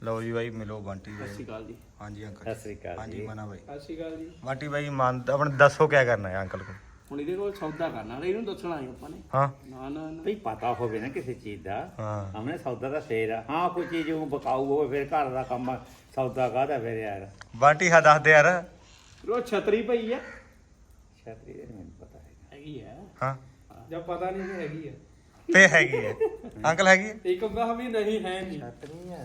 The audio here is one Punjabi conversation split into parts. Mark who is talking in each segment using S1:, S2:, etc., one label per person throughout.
S1: ਲਓ ਜੀ ਬਾਈ ਮਿਲੋ ਬੰਟੀ
S2: ਸਤਿ ਸ਼੍ਰੀ
S1: ਬਾਈ।
S2: ਅਕਾਲ ਜੀ।
S1: ਹਾਂਜੀ ਅੰਕਲ
S3: ਸਤਿ ਸ੍ਰੀ ਅਕਾਲ
S1: ਹਾਂਜੀ
S3: ਜੀ।
S1: ਮਨਾ ਬਾਈ।
S2: ਸਤਿ ਸ਼੍ਰੀ ਅਕਾਲ ਜੀ।
S1: ਬੰਟੀ ਬਾਈ ਮਨ ਆਪਣੇ ਦੱਸੋ ਕੀ ਕਰਨਾ ਹੈ ਅੰਕਲ को।
S2: ਹੁਣ ਇਹਦੇ ਕੋਲ ਸੌਦਾ ਕਰਨਾ ਇਹਨੂੰ ਦੱਸਣਾ ਹੈ ਆਪਾਂ ਨੇ।
S1: ਹਾਂ
S2: ਨਾ ਨਾ ਨਾ
S3: ਭਈ ਪਤਾ ਹੋਵੇ ਨਾ ਕਿਸੇ ਚੀਜ਼ ਦਾ।
S1: ਹਾਂ
S3: ਹਮਨੇ ਸੌਦਾ ਦਾ ਫੇਰ ਆ। ਹਾਂ ਕੋਈ ਚੀਜ਼ ਉਹ ਬਕਾਊ ਹੋਵੇ ਫਿਰ ਘਰ ਦਾ ਕੰਮ ਆ, ਸੌਦਾ ਕਾਹਦਾ ਫਿਰ ਯਾਰ।
S1: ਬੰਟੀ ਹਾਂ ਦੱਸ ਦੇ ਯਾਰ।
S2: ਉਹ ਛਤਰੀ ਪਈ ਆ
S3: ਛਤਰੀ ਦਾ ਨੀ ਮੈਨੂੰ ਪਤਾ ਹੈਗਾ।
S2: ਹੈਗੀ ਆ
S1: ਹਾਂ
S2: ਜਦ ਪਤਾ ਨਹੀਂ ਕਿ ਹੈਗੀ ਆ
S1: ਤੇ ਹੈਗੀ ਹੈ ਅੰਕਲ ਹੈਗੀ ਹੈ।
S2: ਇੱਕ ਕਹਾ ਵੀ ਨਹੀਂ ਹੈ ਨਹੀਂ
S3: ਛਤਰੀ ਯਾਰ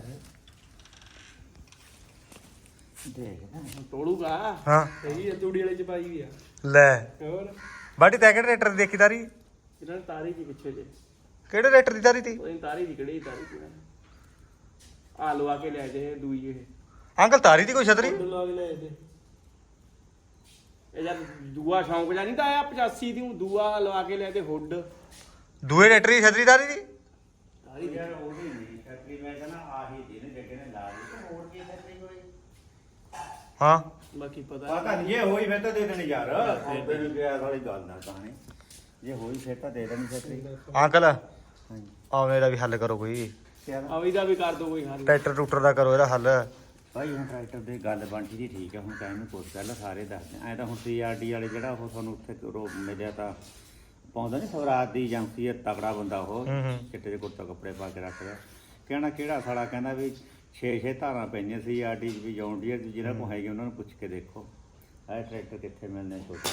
S3: ਦੇਖ ਨਾ
S2: ਤੋੜੂਗਾ।
S1: ਹਾਂ
S2: ਹੈਗੀ ਆ ਤੂੜੀ ਵਾਲੇ ਚ ਪਾਈ ਵੀ ਆ।
S1: ਲੈ
S2: ਹੋਰ
S1: ਬੰਟੀ ਤੈ ਕਿਹੜੇ ਰੇਟਰ ਦੀ ਦੇਖੀ ਤਾਰੀ?
S2: ਇਹਨਾਂ ਨੇ ਤਾਰੀ ਦੀ ਪਿੱਛੇ ਜੇ
S1: ਕਿਹੜੇ ਰੇਟਰ ਦੀ ਤਾਰੀ ਤੀ?
S2: ਉਹਦੀ ਤਾਰੀ ਦੀ ਕਿਹੜੀ ਤਾਰੀ ਦੀ ਆ ਲਵਾ ਕੇ ਲੈ ਜੇ ਦੂਈ ਇਹ
S1: ਅੰਕਲ ਤਾਰੀ ਦੀ ਕੋਈ ਛਤਰੀ?
S2: ਲਵਾ ਕੇ ਲੈ ਜੇ ਇਹ ਜਦ ਦੂਆ ਸ਼ੌਂਕ ਜਾਂ ਨਹੀਂ ਤਾਂ ਆਇਆ 85 ਦੀ ਦੂਆ ਲਵਾ ਕੇ ਲੈ ਤੇ ਹੁੱਡ
S1: ਦੂਏ ਰੇਟਰ ਦੀ ਛਤਰੀ ਤਾਰੀ ਦੀ?
S2: ਤਾਰੀ ਦੀ
S3: ਯਾਰ ਉਹ ਵੀ ਨਹੀਂ ਛਤਰੀ ਮੈਂ ਕਹਿੰਦਾ ਆਹੀ ਜਿਹਨੇ ਜੱਗੇ ਨੇ ਲਾ ਲਈ ਤੇ ਹੋਰ ਕੀ ਛਤਰੀ ਹੋਈ।
S1: ਹਾਂ
S2: ਬਾਕੀ ਪਤਾ
S3: ਪਤਾ ਨਹੀਂ ਜੇ ਹੋਈ ਫਿਰ ਤਾਂ ਦੇ ਦੇਣੀ ਯਾਰ। ਸੌਦੇ ਨੂੰ ਗਿਆ ਵਾਲੀ ਗੱਲ ਨਾ ਕਹਾਣੀ। ਜੇ ਹੋਈ ਫਿਰ ਤਾਂ ਦੇ ਦੇਣੀ ਛਤਰੀ।
S1: ਅੰਕਲ
S3: ਹਾਂਜੀ
S1: ਆਵੇਂ ਦਾ ਵੀ ਹੱਲ ਕਰੋ ਕੋਈ।
S3: ਕਿਆ
S2: ਅਵੀ ਦਾ ਵੀ ਕਰ ਦੋ ਕੋਈ ਹੱਲ।
S1: ਟਰੈਕਟਰ ਟਰੂਕਟਰ ਦਾ ਕਰੋ ਇਹਦਾ ਹੱਲ।
S3: ਭਾਈ ਹੁਣ ਟਰੈਕਟਰ ਦੀ ਗੱਲ ਬਣਦੀ ਦੀ ਠੀਕ ਹੈ। ਹੁਣ ਟਾਈਮ ਨੂੰ ਪੁੱਛ ਪਹਿਲਾਂ ਸਾਰੇ ਦੱਸਦੇ ਐ ਤਾਂ ਹੁਣ CRD ਵਾਲੇ ਜਿਹੜਾ ਉਹ ਤੁਹਾਨੂੰ ਉੱਥੇ ਮਿਲਿਆ ਤਾਂ ਪਾਉਂਦਾ ਨਹੀਂ ਸਵਰਾਜ ਦੀ ਏਜੰਸੀ ਹੈ ਤਕੜਾ ਬੰਦਾ ਉਹ ਚਿੱਟੇ ਦੇ ਕੁੜਤਾ ਕੱਪੜੇ ਪਾ ਕੇ ਰੱਖਦਾ। ਕਹਿਣਾ ਕਿਹੜਾ ਸਾਲਾ ਕਹਿੰਦਾ ਵੀ 6 ਧਾਰਾਂ ਪੈਂਦੀਆਂ CRD ਵੀ ਜੌਂਡੀਅਰ ਦੀ ਜਿਹੜਾ ਕੋਲ ਹੈਗੀ ਉਹਨਾਂ ਨੂੰ ਪੁੱਛ ਕੇ ਦੇਖੋ ਇਹ ਟਰੈਕਟਰ ਕਿੱਥੇ ਮਿਲਣੇ ਛੋਟੇ।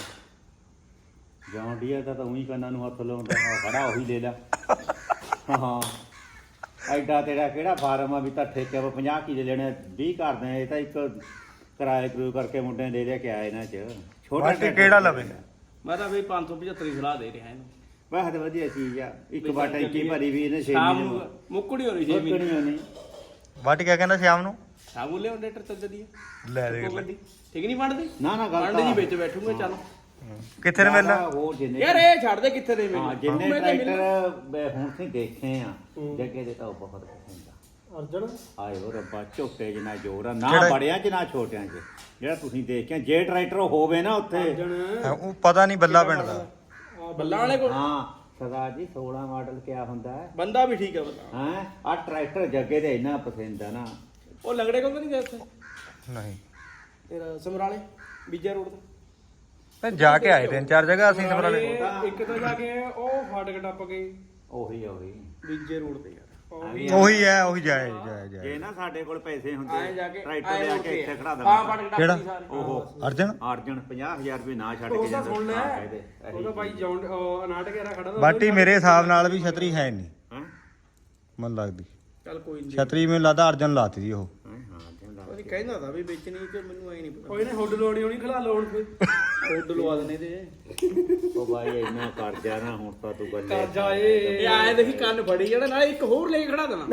S3: ਜੌਂਡੀਅਰ ਦਾ ਤਾਂ ਉਹੀ ਕੰਨਾਂ ਨੂੰ ਹੱਥ ਲਾਉਂਦਾ ਖੜਾ ਉਹੀ ਲੈ ਲਾ। ਹਾਂ ਐਡਾ ਤੇਰਾ ਕਿਹੜਾ ਫਾਰਮ ਆ ਵੀ ਤਾਂ ਠੇਕੇ 'ਤੇ 50 ਕਿੱਲੇ ਲੈਣੇ 20 ਕਰਦੇ ਇਹ ਤਾਂ ਇੱਕ ਕਿਰਾਏ ਕਰੂ ਕਰਕੇ ਮੁੰਡੇ ਨੇ ਦੇ ਲਿਆ ਕਿ ਆਏ ਇਹਨਾਂ 'ਚ ਛੋਟਾ
S1: ਬਾਟੀ ਕਿਹੜਾ ਲਵੇ?
S2: ਮੈਂ ਤਾਂ ਬਈ 575 ਦੀ ਸਲਾਹ ਦੇ ਰਿਹਾ ਇਹਨੂੰ।
S3: ਵਾਹ ਤੇ ਵਧੀਆ ਚੀਜ਼ ਆ। ਇੱਕ ਵਾਰ ਟੈਂਕੀ ਭਰੀ ਵੀ ਇਹਨੇ 6
S2: ਸ਼ਾਮ
S3: ਮਹੀਨੇ
S2: ਨੂੰ ਮੁੱਕੜੀ ਹੋਣੀ 6 ਮਹੀਨੇ
S3: ਨਹੀਂ
S1: ਬਾਟੀ ਕਿਆ ਕਹਿੰਦਾ ਸ਼ਾਮ ਨੂੰ?
S2: ਸ਼ਾਮ ਨੂੰ ਲਿਆਉਂ ਲੈਟਰ ਚੱਜ ਦੀ
S1: ਲੈ ਦੇ ਲੈ।
S2: ਠੀਕ ਨਹੀਂ ਬਣਦੀ
S3: ਨਾ ਨਾ ਗੱਲ
S2: ਬਣਦੀ ਜੀ ਵਿੱਚ ਬੈਠੂਗੇ ਚੱਲ
S1: ਕਿੱਥੇ ਨੇ ਮਿਲਣਾ?
S3: ਹੋਰ ਜਿੰਨੇ
S2: ਯਾਰ ਇਹ ਛੱਡ ਦੇ ਕਿੱਥੇ ਦੇ
S3: ਹਾਂ ਜਿੰਨੇ ਟਰੈਕਟਰ ਹੁਣ ਤੁਸੀਂ ਦੇਖੇ ਆ ਜੱਗੇ ਦੇ ਤਾਂ ਉਹ ਬਹੁਤ ਪਸੰਦ ਆ।
S2: ਅਰਜਨ
S3: ਆਏ ਹੋ ਰੱਬਾ ਝੋਟੇ ਜਿੰਨਾ ਜ਼ੋਰ ਆ ਨਾ
S1: ਕਿਹੜਾ?
S3: ਬੜਿਆਂ ਚ ਨਾ ਛੋਟਿਆਂ ਚ। ਜਿਹੜਾ ਤੁਸੀਂ ਦੇਖਿਆ ਜੇ ਟਰੈਕਟਰ ਹੋਵੇ ਨਾ ਉੱਥੇ
S1: ਉਹ ਪਤਾ ਨਹੀਂ ਬੱਲਾ ਪਿੰਡ ਦਾ।
S2: ਬੱਲਾਂ ਵਾਲੇ ਕੋਲ
S3: ਹਾਂ ਸਰਦਾਰ ਜੀ 16 ਮਾਡਲ ਕਿਆ ਹੁੰਦਾ ਹੈ
S2: ਬੰਦਾ ਵੀ ਠੀਕ ਹੈ ਬੰਦਾ।
S3: ਹੈ ਆ ਟਰੈਕਟਰ ਜੱਗੇ ਦੇ ਇੰਨਾ ਪਸੰਦ ਆ ਨਾ।
S2: ਉਹ ਲੰਗੜੇ ਕੋਲ ਨਹੀਂ ਗਏ ਉੱਥੇ
S1: ਨਹੀਂ
S2: ਤੇਰਾ ਸਮਰਾਲੇ ਬੀਜਾ ਰੋਡ ਤੇ
S1: ਤੇ ਜਾ ਕੇ ਆਏ ਤਿੰਨ ਚਾਰ ਜਗ੍ਹਾ ਅਸੀਂ ਸਮਰਾਲੇ।
S2: ਇੱਕ ਤਾਂ ਜਾ ਕੇ ਉਹ ਫਾਟਕ ਟੱਪ ਗਏ
S3: ਉਹੀ
S2: ਬੀਜੇ ਰੋਡ ਤੇ ਯਾਰ
S1: ਉਹੀ ਹੈ ਉਹੀ ਜਾਏ ਜਾਏ
S3: ਜੇ
S1: ਜਾਏ।
S3: ਨਾ ਸਾਡੇ ਕੋਲ ਪੈਸੇ
S2: ਆਏ
S3: ਹੁੰਦੇ
S2: ਜਾ ਕੇ
S3: ਟਰੈਕਟਰ ਲਿਆ ਕੇ ਇੱਥੇ ਖੜਾ
S2: ਹਾਂ
S3: ਦਿੰਦਾ।
S2: ਫਾਟਕ ਟੱਪ
S1: ਕਿਹੜਾ?
S2: ਗਈ ਸਾਰੇ
S3: ਉਹ
S1: ਅਰਜਨ
S3: ਅਰਜਨ 50000 ਰੁਪਏ ਨਾ ਛੱਡ
S2: ਉਹ
S3: ਕੇ
S2: ਤਾਂ
S3: ਜਾਂਦਾ।
S2: ਸੁਣ ਲੈ
S3: ਹਾਂ, ਕਹਿ ਦੇ।
S2: ਉਹਦਾ ਭਾਈ ਜੌਂਡ ਨਾਟਕ ਯਾਰਾ ਖੜਾ ਦਾ
S1: ਬਾਟੀ ਮੇਰੇ ਹਿਸਾਬ ਨਾਲ ਵੀ ਛਤਰੀ ਹੈ ਨਹੀਂ
S3: ਹੈਂ?
S1: ਮਨ ਲੱਗਦੀ।
S2: ਚੱਲ ਕੋਈ ਨਹੀਂ
S1: ਛਤਰੀ ਮੈਨੂੰ ਲੱਗਦਾ ਅਰਜਨ ਲਾਤੀ ਦੀ ਉਹ।
S3: ਹਾਂ ਅਰਜਨ ਲਾ
S2: ਉਹਦੀ ਕਹਿੰਦਾ ਤਾਂ ਵੀ ਵੇਚਣੀ ਤੇ ਮੈਨੂੰ ਐ ਨਹੀਂ ਪਤਾ ਕੋਈ ਨੇ ਹੁੱਡ ਲਵਾਉਣੀ ਹੋਣੀ ਖਲਾ ਲਾਉਣ ਫੇ ਹੁੱਡ ਲਵਾ ਦਨੇ ਤੇ
S3: ਉਹ ਬਾਈ ਇੰਨਾ ਕਰਜ਼ਾ ਨਾ ਹੁਣ ਤਾਂ ਤੂੰ ਗੱਲ
S2: ਇਹ ਆਏ ਦੇਖੀ ਕੰਨ ਫੜੀ ਜਿਹੜਾ ਨਾਲੇ ਇੱਕ ਹੋਰ ਲੈ ਕੇ ਖੜਾ ਦੇਣਾ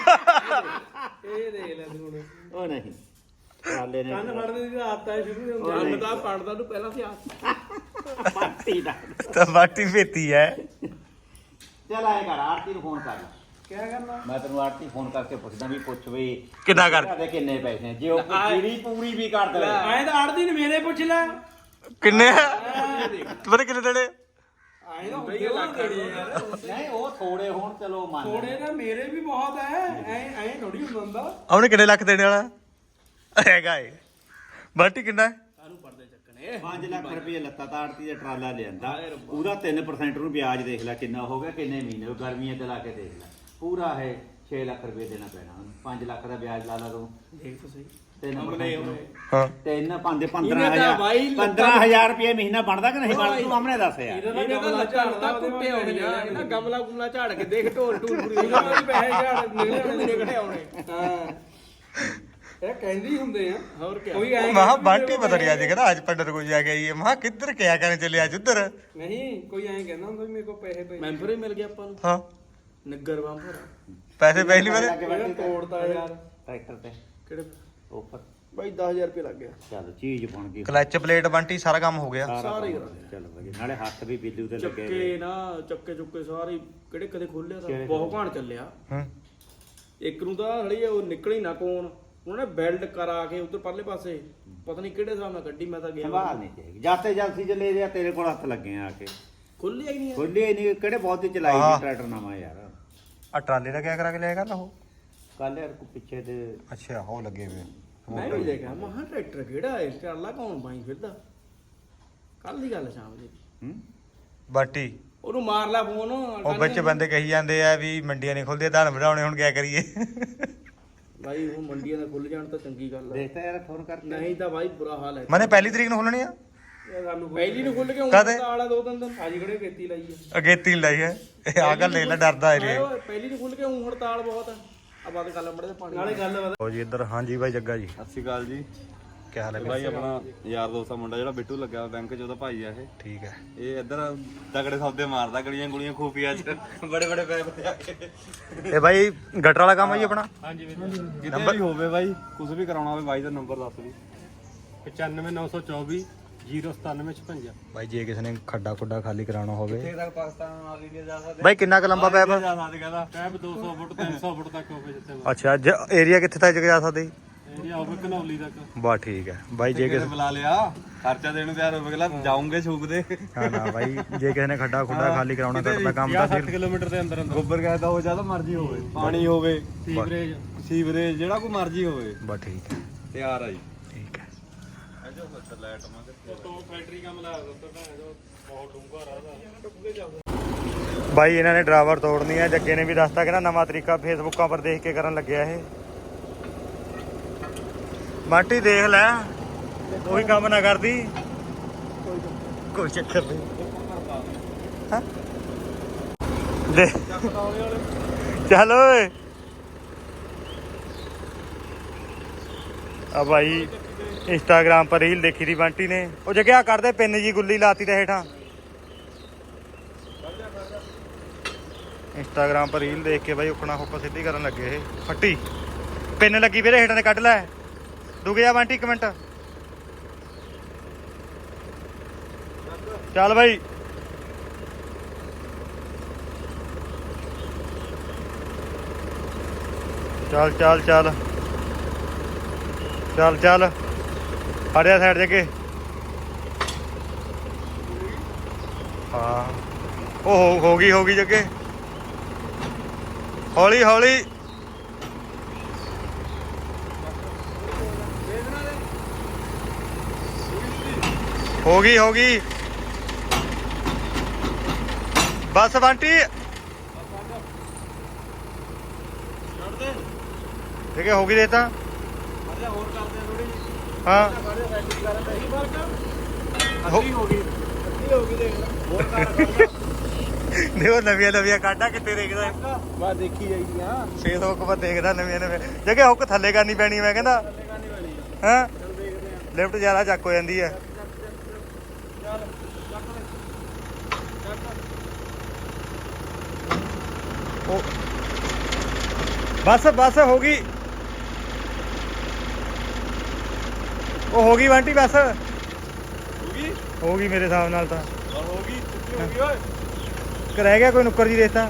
S2: ਇਹ ਦੇਖ ਲੈ ਤੂੰ ਹੁਣ
S3: ਉਹ ਨਹੀਂ ਹਾਲੇ ਨੇ
S2: ਕੰਨ ਫੜਦੇ ਦੀ ਆਦਤ ਹੈ ਸ਼ੁਰੂ ਤੋਂ ਕੰਨ ਦਾ ਪੜਦਾ ਨੂੰ ਪਹਿਲਾਂ ਸੀ ਆਦਤ
S3: ਪਾਰਟੀ ਦਾ
S1: ਤਾਂ ਬਾਟੀ ਭੇਤੀ ਹੈ।
S3: ਚੱਲ ਆਏ ਕਰ ਆਰਤੀ ਨੂੰ ਫੋਨ ਕਰ।
S2: ਕੀ ਕਰਨਾ
S3: ਮੈਂ ਤੈਨੂੰ ਆਰਤੀ ਫੋਨ ਕਰਕੇ ਪੁੱਛਦਾ ਵੀ ਪੁੱਛ ਵੀ
S1: ਕਿੰਨਾ ਕਰ
S3: ਦੇ ਕਿੰਨੇ ਪੈਸੇ ਆ। ਜੇ ਉਹ ਪੂਰੀ ਵੀ ਕਰ ਦੇ
S2: ਆਏ ਤਾਂ ਆੜਦੀ ਨੇ ਮੇਰੇ ਪੁੱਛ ਲੈ
S1: ਕਿੰਨੇ ਪਤਾ ਕਿੰਨੇ ਦੇਣੇ?
S2: ਆਏ ਤਾਂ ਹੁੰਦੇ ਲੱਖ ਯਾਰ
S3: ਨਹੀਂ ਉਹ ਥੋੜੇ ਹੋਣ ਚਲੋ ਮੰਨ
S2: ਥੋੜੇ ਨਾ ਮੇਰੇ ਵੀ ਬਹੁਤ ਐ ਐ ਥੋੜੀ ਹੁੰਦਾ
S1: ਉਹਨੇ ਕਿੰਨੇ ਲੱਖ ਦੇਣੇ ਵਾਲਾ ਹੈਗਾ ਏ? ਬਾਟੀ ਕਿੰਨਾ ਹੈ?
S2: ਕਾਹਨੂੰ ਪੜਦੇ ਚੱਕਣੇ
S3: 5 ਲੱਖ ਰੁਪਏ ਲੱਤਾ ਤਾਂ ਆੜਤੀ ਦਾ ਟਰਾਲਾ ਲਿਆਂਦਾ। ਉਹਦਾ 3% ਨੂੰ ਵਿਆਜ ਦੇਖ ਲੈ ਕਿੰਨਾ ਹੋ ਗਿਆ ਕਿੰਨੇ ਮਹੀਨੇ ਗਰਮੀਆਂ ਤੇ ਲਾ ਕੇ ਦੇਖ ਲੈ ਪੂਰਾ ਹੈ 6 ਲੱਖ ਰੁਪਏ ਦੇਣਾ ਪੈਣਾ ਉਹਨੂੰ। 5 ਲੱਖ ਦਾ ਵਿਆਜ ਲਾ ਲਾ ਤੂੰ
S2: ਦੇਖ ਤੁਸੀਂ
S3: 3% ਨੂੰ।
S1: ਹਾਂ
S3: 15,000 ਰੁਪਏ ਮਹੀਨਾ ਬਣਦਾ ਕਿ ਨਹੀਂ ਬਣਦਾ ਤੂੰ ਸਾਹਮਣੇ ਦੱਸ ਯਾਰ।
S2: ਇਹਦਾ ਗਮਲਾ ਝਾੜਦਾ ਕੁੱਤੇ ਆਉਣੇ ਆ ਇਹਨਾਂ ਗਮਲਾ ਗੁਮਲਾ ਝਾੜ ਕੇ ਦੇਖ ਢੋਲ ਢੂਲ ਪੂਰੀ ਇਹਨਾਂ ਵੀ ਪੈਸੇ ਝਾੜ ਨਿਕਲੇ ਆਉਣੇ ਹਾਂ ਇਹ ਕਹਿੰਦੀ ਹੁੰਦੇ ਆ ਹੋਰ ਕੀ ਕੋਈ ਐ
S1: ਮਹਾ ਬਾਟੀ ਪਤਾ ਨਹੀਂ ਅੱਜ ਕਹਿੰਦਾ ਅੱਜ ਪੰਡਤ ਕੋਲ ਜਾ ਕੇ ਆਈਏ ਮਹਾ ਕਿੱਧਰ ਕਿਆ ਕਰਨ ਚੱਲੇ ਅੱਜ ਉੱਧਰ।
S2: ਨਹੀਂ ਕੋਈ ਐਂ ਕਹਿੰਦਾ ਹੁੰਦਾ ਵੀ ਮੇਰੇ ਕੋਲ ਪੈਸੇ ਪਏ ਮੈਂਬਰ ਹੀ ਮਿਲ ਗਿਆ ਆਪਾਂ ਨੂੰ
S1: ਹਾਂ
S2: ਨਗਰ ਬੰਫਰ
S1: ਪੈਸੇ ਪਹਿਲੀ ਵਾਰ
S2: ਇਹ ਤੋੜਦਾ ਯਾਰ
S3: ਟਰੈਕਟਰ ਤੇ
S2: ਕਿਹੜੇ
S3: ਉੱਪਰ
S2: ਬਾਈ 10000 ਰੁਪਏ ਲੱਗ ਗਿਆ
S3: ਚੱਲ ਚੀਜ਼ ਬਣ ਗਈ।
S1: ਕਲਚ ਪਲੇਟ ਬੰਟੀ ਸਾਰਾ ਕੰਮ ਹੋ ਗਿਆ।
S2: ਸਾਰੇ
S3: ਚੱਲ ਵਧੀਆ ਨਾਲੇ ਹੱਥ ਵੀ ਬਿੱਲੂ ਤੇ ਲੱਗੇ
S2: ਚੱਕੇ ਨਾ ਚੱਕੇ ਚੁੱਕੇ ਸਾਰੇ ਕਿਹੜੇ ਕਦੇ ਖੋਲਿਆ ਤਾਂ ਬਹੁਤ ਘਾਣ ਚੱਲਿਆ
S1: ਹੂੰ
S2: ਇੱਕ ਨੂੰ ਤਾਂ ਹਲੀ ਉਹ ਨਿਕਲੀ ਨਾ ਕੋਣ ਉਹਨੇ ਬੈਲਟ ਕਰਾ ਕੇ ਉੱਧਰ ਪਰਲੇ ਪਾਸੇ ਪਤਾ ਨਹੀਂ ਕਿਹੜੇ ਹਿਸਾਬ ਨਾਲ ਗੱਡੀ ਮੈਂ ਤਾਂ ਗਿਆ
S3: ਸੰਭਾਲ ਨਹੀਂ ਚਾਹੀਦੀ ਜਾਤੇ ਜਲਸੀ ਚੱਲੇ ਰਿਆ ਤੇਰੇ ਕੋਲ ਹੱਥ ਲੱਗੇ ਆ ਕੇ
S2: ਖੁੱਲਿਆ ਹੀ ਨਹੀਂ
S3: ਖੋਲੇ ਨਹੀਂ ਕਿਹੜੇ ਬਹੁਤ ਹੀ ਚਲਾਈ
S1: ਹਾਂ।
S3: ਟਰੈਕਟਰ ਨਵਾਂ ਯਾਰ।
S1: ਆ ਟਰਾਲੇ ਦਾ ਕਿਆ ਕਰਾ ਕੇ ਲਿਆ ਕਰ ਉਹ?
S3: ਕੱਲ ਯਾਰ ਪਿੱਛੇ ਤੇ
S1: ਅੱਛਾ ਉਹ ਲੱਗੇ ਵੇ
S2: ਮੈਂ ਵੀ ਦੇਖਿਆ ਮਹਾ ਟਰੈਕਟਰ ਕਿਹੜਾ ਹੈ ਟਰਾਲਾ ਕੌਣ ਬਾਈ ਫਿਰਦਾ ਕੱਲ ਦੀ ਗੱਲ ਸ਼ਾਮ ਦੀ
S3: ਹੂੰ
S1: ਬਾਟੀ
S2: ਉਹਨੂੰ ਮਾਰ ਲਾ ਫੋਨ
S1: ਉਹ ਵਿੱਚ ਬੰਦੇ ਕਹੀ ਜਾਂਦੇ ਆ ਵੀ ਮੰਡੀਆਂ ਨਹੀਂ ਖੁੱਲਦੀਆਂ ਧਨ ਵਧਾਉਣੇ ਹੁਣ ਕਿਆ ਕਰੀਏ
S2: ਬਾਈ ਉਹ ਮੰਡੀਆਂ ਦਾ ਖੁੱਲ ਜਾਣ ਤਾਂ ਚੰਗੀ ਗੱਲ ਹੈ
S3: ਦੇਖਤਾ ਯਾਰ ਫੋਨ ਕਰਕੇ
S2: ਨਹੀਂ ਤਾਂ ਬਾਈ ਬੁਰਾ ਹਾਲ ਹੈ
S1: ਮਨੇ ਪਹਿਲੀ ਤਰੀਕ ਨੂੰ ਖੁੱਲਣੀ ਆ
S2: ਪਹਿਲੀ ਨੂੰ ਖੁੱਲ ਕੇ
S1: ਕਦੇ?
S2: ਆਲਾ 2-3 ਦਿਨ ਅੱਜ ਕਿਹੜੇ ਖੇਤੀ ਲਾਈ ਹੈ
S1: ਅਗੇਤੀ ਨੀ ਲਾਈ ਹੈ ਇਹ ਆ ਗੱਲ ਲੈ ਲੈ ਡਰਦਾ ਏ ਰੇ
S2: ਓਏ ਪਹਿਲੀ ਨੂੰ ਖੁੱਲ ਕੇ ਊਂ ਹੜਤਾਲ ਬਹੁਤ ਆ ਆ ਬਾਤ ਗੱਲ ਮੜੇ ਪਾਣੀ ਨਾਲੇ ਗੱਲ
S1: ਲਓ ਜੀ ਇੱਧਰ ਹਾਂਜੀ ਬਾਈ ਜੱਗਾ ਜੀ
S4: ਸਤਿ ਸ਼੍ਰੀ ਅਕਾਲ ਜੀ
S1: ਕੀ ਹਾਲ ਹੈ
S4: ਭਾਈ ਆਪਣਾ ਯਾਰ ਦੋਸਤ ਦਾ ਮੁੰਡਾ ਜਿਹੜਾ ਬਿੱਟੂ ਲੱਗਿਆ ਹੋਇਆ ਬੈਂਕ 'ਚ ਉਹਦਾ ਭਾਈ ਆ ਇਹ
S1: ਠੀਕ ਹੈ
S4: ਇਹ ਇੱਧਰ ਤਗੜੇ ਸੌਦੇ ਮਾਰਦਾ ਗਲੀਆਂ ਗੁਲੀਆਂ ਖੂਫੀਆ 'ਚ ਬੜੇ ਬੜੇ ਪੈਪ ਤੇ ਆ ਕੇ
S1: ਇਹ ਬਾਈ ਗਟਰ ਵਾਲਾ ਕੰਮ ਹੈ ਜੀ ਆਪਣਾ
S4: ਕਿਤੇ ਵੀ ਹੋਵੇ ਬਾਈ ਕੁਝ ਵੀ ਕਰਾਉਣਾ ਹੋਵੇ ਬਾਈ ਦਾ ਨੰਬਰ ਦੱਸ ਵੀ
S2: 95924 09756
S1: ਬਾਈ ਜੇ ਕਿਸੇ ਨੇ ਖੱਡਾ ਖੁੱਡਾ ਖਾਲੀ ਕਰਾਉਣਾ ਹੋਵੇ
S4: ਤੱਕ ਪਾਕਿਸਤਾਨ ਨਾਲ ਇੰਡੀਆ ਜਾ ਸਕਦੇ
S1: ਬਾਈ ਕਿੰਨਾ ਕੁ ਲੰਬਾ ਪੈਪ
S4: ਜਾ ਸਕਦੇ ਕਹਿੰਦਾ
S2: ਪੈਪ 200 ਫੁੱਟ 300 ਫੁੱਟ ਤੱਕ ਹੋਵੇ ਜਿੱਥੇ
S1: ਅੱਛਾ ਏਰੀਆ ਕਿੱਥੇ ਤੱਕ ਜਾ ਸਕਦੇ ਜੀ?
S2: ਏਰੀਆ ਹੋਵੇ ਘਨੌਲੀ ਤੱਕ
S1: ਬਾ ਠੀਕ ਹੈ ਬਾਈ ਜੇ ਕਿਸੇ
S4: ਬੁਲਾ ਲਿਆ ਖਰਚਾ ਦੇਣ ਨੂੰ ਤਿਆਰ ਹੋਵੇ ਅਗਲਾ ਜਾਉਂਗੇ ਛੂਕਦੇ
S1: ਹਾਂ ਨਾ ਬਾਈ ਜੇ ਕਿਸੇ ਨੇ ਖੱਡਾ ਖੁੱਡਾ ਖਾਲੀ ਕਰਾਉਣਾ ਕਰਦਾ ਕੰਮ ਤਾਂ ਫਿਰ
S2: ਕਿਲੋਮੀਟਰ ਦੇ ਅੰਦਰ
S4: ਗੋਬਰ ਗੈਸ ਦਾ ਹੋ ਜਿਆਦਾ ਮਰਜ਼ੀ ਹੋਵੇ ਪਾਣੀ ਹੋਵੇ
S2: ਸੀਵਰੇਜ
S4: ਸੀਵਰੇਜ ਜਿਹੜਾ ਕੋਈ ਮਰਜ਼ੀ ਹੋਵੇ
S1: ਬਾ ਠੀਕ ਹੈ
S4: ਤਿਆਰ ਆ ਜੀ
S1: ਠੀਕ ਹੈ
S2: ਤੋਂ ਫੈਕਟਰੀ ਕੰਮ ਲਾ ਦਿੱਤਾ ਤਾਂ ਬਹੁਤ ਡੂੰਘਾ ਰਾਹ
S1: ਬਾਈ ਇਹਨਾਂ ਨੇ ਡਰਾਈਵਰ ਤੋੜਨੀ ਹੈ ਜੱਗੇ ਨੇ ਵੀ ਦੱਸਤਾ ਕਿ ਨਾ ਨਵਾਂ ਤਰੀਕਾ ਫੇਸਬੁੱਕਾਂ ਪਰ ਦੇਖ ਕੇ ਕਰਨ ਲੱਗਿਆ ਇਹ ਮਾਟੀ ਦੇਖ ਲੈ ਉਹੀ ਕੰਮ ਨਾ ਕਰਦੀ ਕੋਈ ਚੱਕਰ ਨਹੀਂ ਹਾਂ ਦੇ ਚੱਲ ਓਏ ਆ ਭਾਈ ਇੰਸਟਾਗ੍ਰਾਮ ਪਰ ਰੀਲ ਦੇਖੀ ਦੀ ਬੰਟੀ ਨੇ ਉਹ ਜਗਿਆ ਕਰਦੇ ਪਿੰਨ ਜੀ ਗੁੱਲੀ ਲਾਤੀ ਤੇ ਹੇਠਾਂ ਇੰਸਟਾਗ੍ਰਾਮ ਪਰ ਰੀਲ ਦੇਖ ਕੇ ਬਾਈ ਉਖਣਾ ਹੁੱਕ ਸਿੱਧੀ ਕਰਨ ਲੱਗੇ ਇਹ ਫੱਟੀ ਪਿੰਨ ਲੱਗੀ ਵੀਰੇ ਹੇਠਾਂ ਤੇ ਕੱਢ ਲੈ ਡੁੱਗ ਜਾ ਬੰਟੀ 1 ਮਿੰਟ ਚੱਲ ਬਾਈ ਚੱਲ ਚੱਲ ਚੱਲ ਚੱਲ ਚੱਲ ਫੜਿਆ ਸਾਈਡ ਦੇ ਕੇ ਹਾਂ ਉਹ ਹੋ ਗਈ ਜੱਗੇ ਹੌਲੀ ਹੌਲੀ ਹੋ ਗਈ ਬਸ ਬੰਟੀ ਦੇਖੇ ਹੋ ਗਈ ਦੇ ਤਾਂ
S2: ਹੋਰ ਕਰਦੇ ਥੋੜੀ
S1: ਹਾਂ
S2: ਅੱਧੀ ਹੋ ਗਈ ਦੇਖ ਲੈ ਹੋਰ ਕਰ
S1: ਨਹੀਂ ਉਹ ਨਵੀਆਂ ਕਾਢਾਂ ਕਿੱਥੇ ਦੇਖਦਾ
S2: ਬਾ ਦੇਖੀ ਜਾਈਦੀ ਆ
S1: ਫੇਸਬੁੱਕ ਪਰ ਦੇਖਦਾ ਨਵੀਆਂ ਜਗੇ ਹੁੱਕ ਥੱਲੇ ਕਰਨੀ ਪੈਣੀ ਮੈਂ ਕਹਿੰਦਾ ਹਾਂ ਲਿਫਟ ਜ਼ਿਆਦਾ ਚੱਕ ਹੋ ਜਾਂਦੀ ਹੈ ਬਸ ਹੋ ਗਈ ਉਹ ਹੋ ਗਈ ਬੰਟੀ ਬਸ ਹੋ ਗਈ ਮੇਰੇ ਹਿਸਾਬ ਨਾਲ ਤਾਂ
S4: ਹੋ ਗਈ ਓਏ
S1: ਰਹਿ ਗਿਆ ਕੋਈ ਨੁੱਕਰ ਜੀ ਰੇਤਾ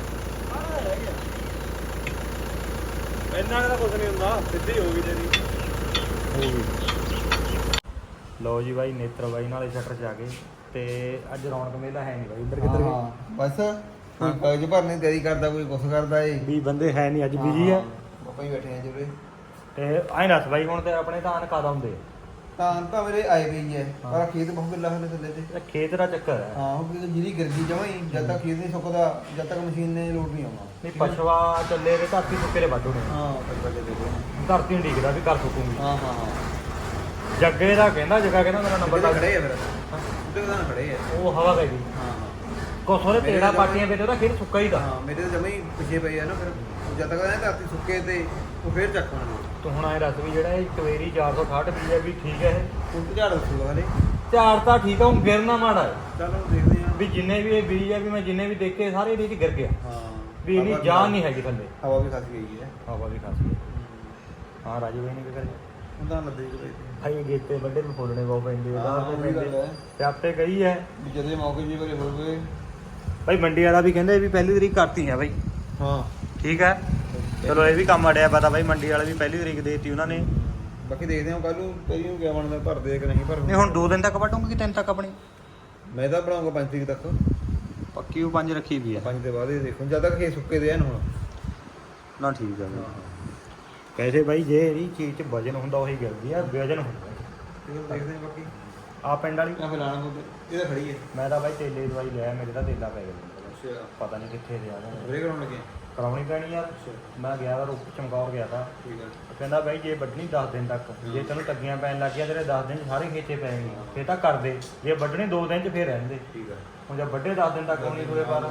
S4: ਇੰਨਾ ਦਾ ਕੁਝ ਨਹੀਂ ਹੁੰਦਾ ਸਿੱਧੀ ਹੋ ਗਈ ਤੇਰੀ
S1: ਲਓ ਜੀ ਬਾਈ ਨੇਤਰ ਬਾਈ ਨਾਲੇ ਸ਼ਟਰ ਚ ਆ ਗਏ ਤੇ ਅੱਜ ਰੌਣਕ ਮੇਲਾ ਹੈ ਨਹੀਂ ਬਾਈ ਇੱਧਰ ਕਿੱਧਰ ਗਏ
S5: ਬਸ ਕੋਈ ਕਾਗਜ਼ ਭਰਨੇ ਦੀ ਤਿਆਰੀ ਕਰਦਾ ਕੋਈ ਕੁਛ ਕਰਦਾ ਏ
S1: ਵੀ ਬੰਦੇ ਹੈ ਨਹੀਂ ਅੱਜ ਬਿਜੀ ਆ
S5: ਆਪਾਂ ਹੀ ਬੈਠੇ ਆ ਜੁਰੇ
S1: ਤੇ ਐਂ ਦੱਸ ਬਾਈ ਹੁਣ ਤੇ ਆਪਣੇ ਧਾਨ ਕਦ ਆਉਂਦੇ
S5: ਤਾਂ ਮੇਰੇ ਆਏ ਗਈ ਹੈ ਪਰ ਖੇਤ ਬਹੁਤ ਗਿੱਲਾ ਹੋਣੇ ਥੱਲੇ ਤੇ
S1: ਆ ਖੇਤ ਦਾ ਚੱਕਰ ਹੈ
S5: ਹਾਂ ਉਹ ਜਿਹੜੀ ਗਿਰਗੀ ਜਮਾਈ ਜਦ ਤੱਕ ਖੇਤ ਨਹੀਂ ਸੁੱਕਦਾ ਜਦ ਤੱਕ ਮਸ਼ੀਨ ਨੇ ਲੋਡ ਨਹੀਂ ਆਉਣਾ
S1: ਨਹੀਂ ਪਛਵਾ ਚੱਲੇ ਤੇ ਧਰਤੀ ਸੁੱਕੇ ਦੇ ਵੱਢ ਹੋਣੇ
S5: ਹਾਂ ਬੱਲੇ ਦੇਖੋ
S1: ਧਰਤੀ ਨੂੰ ਡੀਕਦਾ ਵੀ ਕਰ ਸੁੱਕੂਗੀ
S5: ਹਾਂ ਹਾਂ ਹਾਂ
S1: ਜੱਗੇ ਦਾ ਕਹਿੰਦਾ ਜੱਗਾ ਕਹਿੰਦਾ ਮੇਰਾ ਨੰਬਰ
S5: ਬੱਲੇ
S1: ਲੱਗ
S5: ਖੜੇ ਆ ਫਿਰ ਉੱਤੇ ਤਾਂ ਖੜੇ ਆ
S1: ਉਹ ਹਵਾ ਪੈ ਗਈ
S5: ਹਾਂ
S1: ਕੋ ਸੋਰੇ ਤੇੜਾ ਪਾਟੀਆਂ ਵੇ ਤੇ ਉਹਦਾ ਖੇਤ ਸੁੱਕਾ ਹੀ ਦਾ
S5: ਹਾਂ ਮੇਰੇ ਤਾਂ ਜਮਾ ਹੀ ਪਿੱਛੇ ਪਈ ਆ ਨਾ ਫਿਰ ਜਦ ਤੱਕ ਇਹ ਧਰਤੀ ਸੁੱਕੇ ਤੇ ਉਹ ਫੇਰ ਚੱਕਣਾ
S1: ਤੂੰ ਹੁਣ ਐ ਦੱਸ ਵੀ ਜਿਹੜਾ ਇਹ ਟਵੇਰੀ 468 ਬੀਜ ਹੈ ਵੀ ਠੀਕ ਹੈ ਇਹ
S5: ਹੁਣ ਝਾੜ ਉੱਠੂਗਾ ਹਲੇ
S1: ਝਾੜ ਤਾਂ ਠੀਕ ਆ ਹੁਣ ਗਿਰਨਾ ਮਾੜਾ ਹੈ
S5: ਚਲੋ ਦੇਖਦੇ ਆ
S1: ਵੀ ਜਿੰਨੇ ਵੀ ਇਹ ਬੀਜ ਆ ਵੀ ਮੈਂ ਜਿੰਨੇ ਵੀ ਦੇਖੇ ਸਾਰੇ ਇਹਦੇ 'ਚ ਗਿਰ ਗਿਆ
S5: ਹਾਂ
S1: ਵੀ ਇਹਨੀ ਜਾਨ ਨਹੀਂ ਹੈਗੀ ਥੱਲੇ
S5: ਹਵਾ ਵੀ ਖਸ ਗਈ ਹੈ
S1: ਹਵਾ ਵੀ ਖਾਸੀ ਹਾਂ ਰਾਜੂ ਬਾਈ ਨੇ ਕੀ ਕਰਿਆ
S5: ਉਹਦਾ ਲੱਦੇ ਕਿ
S1: ਭਾਈ ਗੇਤੇ ਵੱਡੇ ਨੂੰ ਫੋਲਣੇ ਬਹੁਤ ਪੈਂਦੇ
S5: ਹਾਂ,
S1: ਉਹਦਾ
S5: ਉਹ ਵੀ ਗੱਲ ਹੈ।
S1: ਤੇ ਆਪੇ ਗਈ ਹੈ
S5: ਜਦੇ ਮੌਕੇ ਜੀ ਬਰੇ ਹੋ ਗਏ
S1: ਭਾਈ ਮੰਡੀ ਵਾਲਾ ਵੀ ਕਹਿੰਦੇ ਵੀ ਪਹਿਲੀ ਤਰੀਕ ਕਰਤੀ ਹੈ ਭਾਈ
S5: ਹਾਂ
S1: ਠੀਕ ਹੈ ਚਲੋ ਇਹ ਵੀ ਕੰਮ ਅੜਿਆ ਪਤਾ ਭਾਈ ਮੰਡੀ ਵਾਲੇ ਵੀ ਪਹਿਲੀ ਤਰੀਕ ਦੇਤੀ ਉਹਨਾਂ ਨੇ
S5: ਬਾਕੀ ਦੇਖਦੇ ਹਾਂ ਕੱਲ ਨੂੰ ਤੇਰੀ ਨੂੰ ਕਿਆ ਬਣਦਾ ਭਰਦੇ ਕਿ ਨਹੀਂ ਭਰਦੇ
S1: ਨਹੀਂ ਹੁਣ 2 ਦਿਨ ਤੱਕ ਵਟੂਗੀ ਕਿ 3 ਤੱਕ ਆਪਣੀ
S5: ਮੈਂ ਤਾਂ ਬਣਾਉਂਗਾ 5 ਤਰੀਕ ਤੱਕ
S1: ਪੱਕੀ ਉਹ 5 ਰੱਖੀ ਵੀ ਆ
S5: 5 ਦੇ ਬਾਅਦ ਇਹ ਦੇਖੋ ਜਦ ਤੱਕ ਇਹ ਸੁੱਕੇ ਦੇ ਹਨ ਹੁਣ
S1: ਨਾ ਠੀਕ ਹੈ ਵੈਸੇ ਬਾਈ ਜੇ ਇਹਦੀ ਚੀਜ਼ 'ਚ ਵਜਨ ਹੁੰਦਾ ਉਹੀ ਗਿਰਦੀ ਆ, ਵਜਨ ਹੁੰਦਾ
S5: ਇਹ ਦੇਖਦੇ ਹਾਂ ਬਾਕੀ
S1: ਆ ਪਿੰਡ ਵਾਲੀ।
S5: ਆ ਫਿਰ ਲਾਣਾ ਹੁੰਦਾ ਇਹ ਤਾਂ ਖੜੀ ਹੈ।
S1: ਮੈਂ ਤਾਂ ਬਾਈ ਤੇਲੇ ਦੀ ਦਵਾਈ ਲਿਆ, ਮੇਰੇ ਤਾਂ ਤੇਲਾ ਪੈ ਗਿਆ,
S5: ਅੱਛਾ
S1: ਪਤਾ ਨਹੀਂ ਕਿੱਥੇ ਰਿਹਾ
S5: ਬ੍ਰੇਕ ਕਰਾਉਣ ਲੱਗੇ।
S1: ਕਰਾਉਣੀ ਪੈਣੀ ਯਾਰ। ਮੈਂ ਗਿਆ ਤਾਂ ਰੁੱਕ ਚਮਕੌਰ ਗਿਆ ਤਾਂ,
S5: ਠੀਕ ਹੈ।
S1: ਕਹਿੰਦਾ ਬਾਈ ਜੇ ਵੱਢਣੀ 10 ਦਿਨ ਤੱਕ, ਜੇ ਤੈਨੂੰ ਤੱਗੀਆਂ ਪੈਣ ਲੱਗ ਗਿਆ ਤੇਰੇ 10 ਦਿਨ 'ਚ ਸਾਰੇ ਖੇਚੇ ਪੈਣਗੇ, ਫੇਰ ਤਾਂ ਕਰਦੇ, ਜੇ ਵੱਢਣੀ 2 ਦਿਨ 'ਚ ਫੇਰ ਰਹਿੰਦੇ।
S5: ਠੀਕ ਹੈ।
S1: ਹੁਣ ਜੇ ਵੱਢੇ 10 ਦਿਨ ਤੱਕ ਹੋਣੀ ਹੋਏ ਪਰ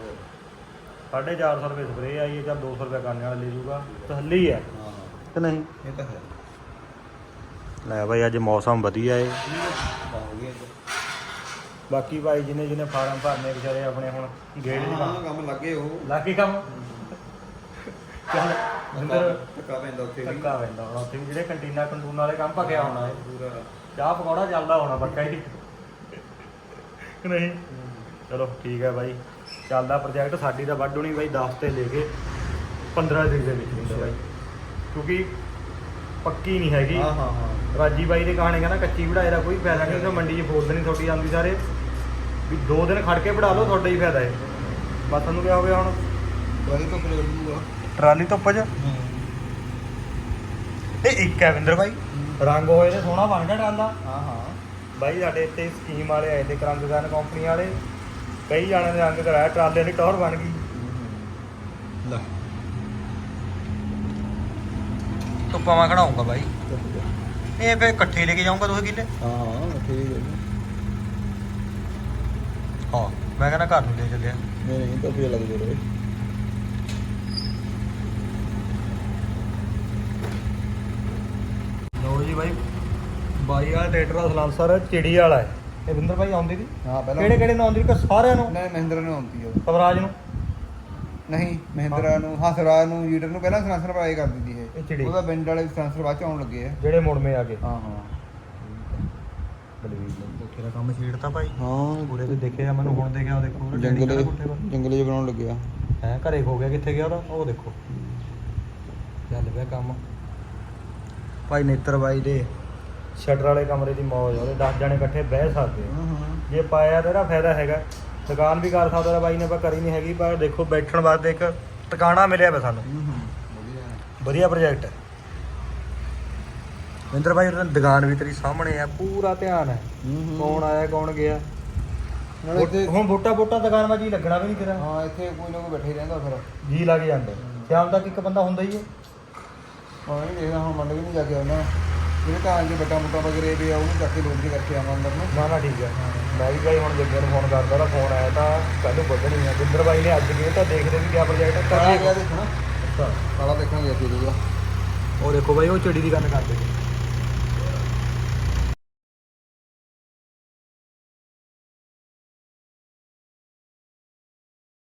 S1: 450 ਰੁਪਏ ਸਪਰੇਅ ਆਈ ਹੈ, ਚੱਲ 200 ਰੁਪਏ ਕਰਨ ਵਾਲਾ ਲੈ ਜੂਗਾ, ਤਸੱਲੀ ਹੈ
S5: ਹਾਂ
S1: ਕਿ ਨਹੀਂ।
S5: ਇਹ ਤਾਂ ਹੈ।
S1: ਲੈ ਬਾਈ ਅੱਜ ਮੌਸਮ ਵਧੀਆ ਏ।
S5: ਹੋ ਗਿਆ
S1: ਬਾਕੀ ਭਾਈ ਜਿਹਨੇ ਫਾਰਮ ਭਰਨੇ ਵਿਚਾਰੇ ਆਪਣੇ ਹੁਣ ਗੇੜ ਦੀ
S5: ਹਾਂ ਕੰਮ ਲੱਗੇ ਉਹ
S1: ਲਾਗੇ ਕੰਮ ਚੱਲ ਅੰਦਰ
S5: ਧੱਕਾ ਪੈਂਦਾ ਉੱਥੇ ਵੀ।
S1: ਧੱਕਾ ਪੈਂਦਾ ਹੁਣ ਉੱਥੇ ਵੀ ਜਿਹੜੇ ਕੰਟੀਨਾ ਵਾਲੇ ਕੰਮ ਭੱਗਿਆ ਹੋਣਾ ਏ,
S5: ਪੂਰਾ
S1: ਚਾਹ ਪਕੌੜਾ ਚੱਲਦਾ ਹੋਣਾ ਪੱਕਾ ਹੀ ਕਿ ਨਹੀਂ। ਚਲੋ ਠੀਕ ਹੈ ਬਾਈ, ਚੱਲਦਾ ਪ੍ਰੋਜੈਕਟ। ਸਾਡੀ ਤਾਂ ਵੱਢ ਹੋਣੀ ਬਾਈ 10 ਤੇ ਲੈ ਕੇ 15 ਦਿਨ ਦੇ ਵਿੱਚ ਹੁੰਦਾ ਬਾਈ, ਕਿਉਂਕਿ ਪੱਕੀ ਨਹੀਂ ਹੈਗੀ।
S5: ਹਾਂ ਹਾਂ ਹਾਂ
S1: ਰਾਜੀ ਬਾਈ ਦੇ ਕਹਾਣੀ ਕਹਿੰਦਾ ਕੱਚੀ ਵਢਾਏ ਦਾ ਕੋਈ ਫਾਇਦਾ ਨਹੀਂ, ਉਹ ਮੰਡੀ 'ਚ ਫੋਲਦ ਨਹੀਂ ਤੁਹਾਡੀ ਆਉਂਦੀ ਸਾਰੇ ਵੀ 2 ਦਿਨ ਖੜ ਕੇ ਵਢਾ ਲਓ, ਤੁਹਾਡਾ ਹੀ ਫਾਇਦਾ ਹੈ। ਬਸ ਤੁਹਾਨੂੰ ਕਿਆ ਹੋ ਗਿਆ ਹੁਣ
S5: ਵਾਲੀ ਤੋਂ ਪਲੇ ਲੱਗੂਗਾ
S1: ਟਰਾਲੀ ਧੁੱਪ 'ਚ। ਇਹ ਇੱਕ ਹੈ ਵਿੰਦਰ ਬਾਈ, ਰੰਗ ਹੋਏ ਤੇ ਸੋਹਣਾ ਬਣ ਗਿਆ ਟਰਾਲਾ।
S5: ਹਾਂ ਹਾਂ
S1: ਬਾਈ ਸਾਡੇ ਇੱਥੇ ਸਕੀਮ ਵਾਲੇ ਆਏ ਤੇ ਕਰੰਗਗਨ ਕੰਪਨੀ ਵਾਲੇ, ਕਈ ਜਾਣੇ ਦੇ ਰੰਗ ਕਰਾਇਆ, ਟਰਾਲੇ ਦੀ ਟੌਰ ਬਣ ਗਈ।
S5: ਲੈ
S1: ਧੁੱਪਾਂ ਮੈਂ ਖੜਾਉਂਗਾ ਬਾਈ, ਇਹ ਫੇਰ ਇਕੱਠੇ ਲੈ ਕੇ ਜਾਊਂਗਾ 2 ਕਿੱਲੇ।
S5: ਹਾਂ ਹਾਂ ਠੀਕ ਹੈ।
S1: ਹਾਂ ਮੈਂ ਕਹਿੰਦਾ ਘਰ ਨੂੰ ਲੈ ਚੱਲਿਆ।
S5: ਨਹੀਂ ਨਹੀਂ ਤਾਂ ਫੇਰ ਲੱਗ ਜੋੜੇ।
S1: ਲੋ ਜੀ ਬਾਈ, ਬਾਈ ਵਾਲਾ ਟਰੈਕਟਰ ਦਾ ਸਲਾਂਸਰ ਚਿੜੀ ਵਾਲਾ ਹੈ। ਇਹ ਵਿੰਦਰ ਬਾਈ ਆਉਂਦੀ ਦੀ
S5: ਹਾਂ ਪਹਿਲਾਂ
S1: ਕਿਹੜੇ ਨੂੰ ਆਉਂਦੀ ਕਿ ਸਾਰਿਆਂ ਨੂੰ?
S5: ਨਹੀਂ ਮਹਿੰਦਰਾ ਨੂੰ ਆਉਂਦੀ ਆ।
S1: ਸਵਰਾਜ ਨੂੰ
S5: ਨਹੀਂ ਮਹਿੰਦਰਾ ਨੂੰ, ਹਾਂ ਸਵਰਾਜ ਨੂੰ, ਜੀਟਰ ਨੂੰ ਪਹਿਲਾਂ ਸਲਾਂਸਰ ਪਾਏ ਕਰ ਦਿੰਦੀ
S1: ਇਹ
S5: ਇਹ।
S1: ਚਿੜੀ
S5: ਉਹਦਾ ਪਿੰਡ ਵਾਲੇ ਸਲਾਂਸਰ ਬਾਅਦ ਚ ਆਉਣ ਲੱਗੇ ਆ।
S1: ਜਿਹੜੇ ਮੁੜਮੇ ਆ ਗਏ।
S5: ਹਾਂ ਹਾਂ
S1: ਬਲਵੀਰ ਨੇ ਕੋਠੇ ਦਾ ਕੰਮ ਛੇੜਤਾ ਭਾਈ।
S5: ਹਾਂ
S1: ਪੂਰੇ ਤੇ ਦੇਖਿਆ ਮੈਨੂੰ, ਹੁਣ ਦੇਖਿਆ ਉਹ ਦੇਖੋ ਉਹਦਾ ਡੈਡੀ ਕਿਹੜਾ ਕੋਠੇ ਪਰ
S5: ਜੰਗਲੇ 'ਚ ਬਣਾਉਣ ਲੱਗਿਆ।
S1: ਹੈ ਘਰੇ ਖੋ ਗਿਆ, ਕਿੱਥੇ ਗਿਆ ਉਹਦਾ? ਉਹ ਦੇਖੋ ਚੱਲ ਪਿਆ ਕੰਮ। ਭਾਈ ਨੇਤਰ ਬਾਈ ਦੇ ਸ਼ਟਰ ਵਾਲੇ ਕਮਰੇ ਦੀ ਮੌਜ, ਉਹਦੇ 10 ਜਣੇ ਇਕੱਠੇ ਬਹਿ ਸਕਦੇ ਆ।
S5: ਹਾਂ ਹਾਂ
S1: ਜੇ ਪਾਇਆ ਤਾਂ ਇਹਦਾ ਫਾਇਦਾ ਹੈਗਾ, ਦੁਕਾਨ ਵੀ ਕਰ ਸਕਦਾ ਬਾਈ ਨੇ, ਪਰ ਕਰੀ ਨਹੀਂ ਹੈਗੀ। ਪਰ ਦੇਖੋ ਬੈਠਣ ਵਾਸਤੇ ਇੱਕ ਟਿਕਾਣਾ ਮਿਲਿਆ ਵਾ ਸਾਨੂੰ, ਵਧੀਆ ਪ੍ਰੋਜੈਕਟ ਹੈ। ਵਿੰਦਰ ਬਾਈ ਉਹਦੀ ਦੁਕਾਨ ਵੀ ਤੇਰੀ ਸਾਹਮਣੇ ਆ, ਪੂਰਾ ਧਿਆਨ ਹੈ ਕੌਣ ਆਇਆ ਕੌਣ ਗਿਆ।
S5: ਨਾਲੇ ਇੱਥੇ
S1: ਹੁਣ ਵੋਟਾਂ ਦੁਕਾਨ ਵਿੱਚ ਹੀ ਲੱਗਣਾ ਵੀ ਨਹੀਂ ਤੇਰਾ,
S5: ਹਾਂ ਇੱਥੇ ਕੋਈ ਨਾ ਕੋਈ ਬੈਠੇ ਰਹਿੰਦਾ ਫਿਰ।
S1: ਜੀ ਲੱਗ ਜਾਂਦਾ। ਸ਼ਾਮ ਤੱਕ ਇੱਕ ਬੰਦਾ ਹੁੰਦਾ ਹੀ ਹੈ।
S5: ਹਾਂ ਨਹੀਂ ਦੇਖਦਾ ਹੁਣ ਮੰਡ ਵੀ ਨਹੀਂ ਜਾ ਕੇ ਆਉਣਾ, ਜਿਹੜੇ ਤਾਂ ਜੇ ਬੱਟਾ ਮੁੱਟਾ ਵਗਰੇ ਵੀ ਆ ਉਹਨੂੰ ਚੱਕ ਕੇ ਲੋਡ ਕਰਕੇ ਆਵਾਂ ਅੰਦਰ ਨੂੰ।
S1: ਨਾ ਠੀਕ ਹੈ। ਮੈਂ ਵੀ ਬਾਈ ਹੁਣ ਜੱਗੇ ਨੂੰ ਫੋਨ ਕਰਦਾ, ਉਹਦਾ ਫੋਨ ਆਇਆ ਤਾਂ ਕੱਲ੍ਹ ਨੂੰ ਵੱਢਣੀ ਆ। ਵਿੰਦਰ ਬਾਈ ਨੇ ਅੱਜ ਗਏ ਤਾਂ ਦੇਖਦੇ ਵੀ ਕਿਆ ਪ੍ਰੋਜੈਕਟ
S5: ਕਾਲਾ
S1: ਕਰ
S5: ਗਿਆ ਦੇਖਣਾ,
S1: ਅੱਛਾ
S5: ਕਾਲਾ ਦੇਖਾਂਗੇ ਅਸੀਂ।
S1: ਉਹ ਦੇਖੋ ਬਾਈ ਉਹ ਚਿੜੀ ਦੀ ਗੱਲ ਕਰਦੇ ਨੇ।